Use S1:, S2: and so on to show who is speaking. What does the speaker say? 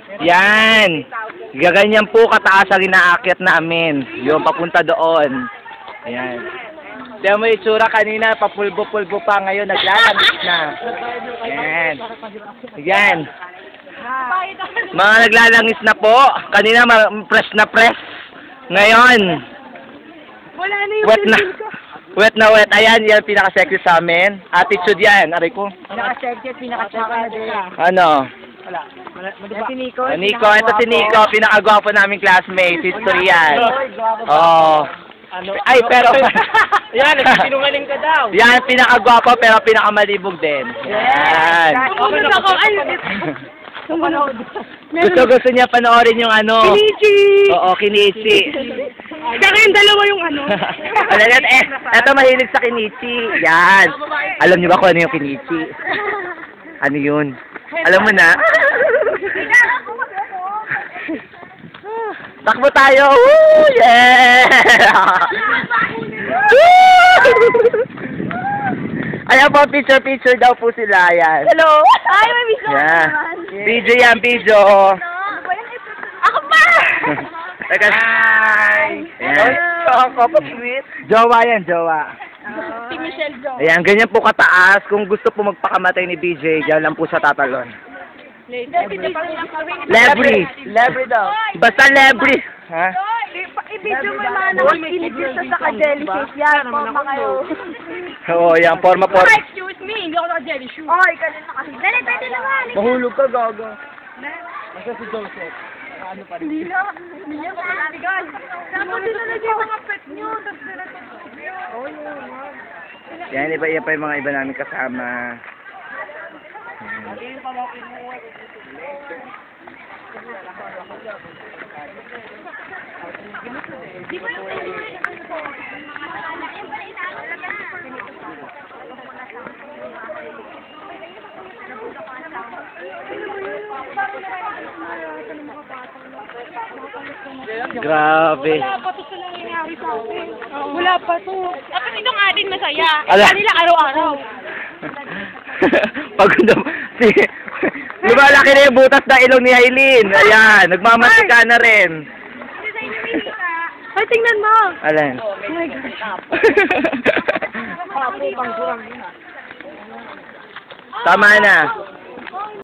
S1: Yan. Gaganyan po kataas ang inaakyat namin. Yung papunta doon. Yan. Diyan mo yung itsura kanina, papulbo-pulbo pa. Ngayon, naglalangis na. Yan. Yan. Mga naglalangis na po. Kanina, press na press. Ngayon,
S2: Wala na yung
S1: wet na. Wet na wet. Ayan, yan pinaka-sexy sa amin. Attitude yan. Aray ko.
S2: pinaka-sexy at pinaka-tsaka na din.
S1: Ano?
S2: Yan si Nico.
S1: Nico, ito si Nico. Pinaka-gwapo naming classmate. History yan. Oo. Ay, pero...
S2: Yan, nagsinungaling ka daw.
S1: Yan, pinaka-gwapo pero pinaka-malibog din. Yan.
S2: Sumunod ako. Ay, sumunod.
S1: Gusto niya panoorin yung ano.
S2: Kinichi!
S1: Oo, Kinichi.
S2: Saka yung dalawa yung ano.
S1: Eto mahilig sa Kinichi. Yan. Alam niyo ba kung ano yung Kinichi? Ano yun? Alam mo na? Takbo tayo! Woo! Yeah! Ayan po, picture daw po sila. Ayan.
S2: Hello? Ay, may video
S1: Yeah.
S2: naman.
S1: Video yan, video.
S2: Ako pa!
S1: Teka. Hi! Jowa yan, jowa.
S2: Si Michelle Jo.
S1: Ayan, ganyan po kataas. Kung gusto po magpakamatay ni BJ, dyan lang po sa tatalon. Lebri.
S2: Lebri daw.
S1: Basta lebri. Ha?
S2: I-video mo naman ang kinigil sa jellyfish. Yan, forma kayo.
S1: Oo, yan. Forma.
S2: Excuse me, hindi ako naka-jellyfish. Ay, ganun na kasi. Dali, pwede naman.
S1: Mahulog ka, gaga.
S2: Asa si Joseph? Ano pa rin? Hindi na malaligan. Dapat sinalagay mga pet nyo. Tapos
S1: Yan, iba pa yung mga iba namin kasama. Grabe.
S2: wala pa to sa nangyayari sa akin. Wala pa to. Dapat itong atin masaya.
S1: Ala.
S2: Kanila araw-araw.
S1: Pagod na, lumalaki na yung butas na ilong ni Aileen. Ayan, nagmamatika na rin.
S2: Ay, tingnan mo.
S1: Alan.
S2: Oh my God.
S1: Tama na.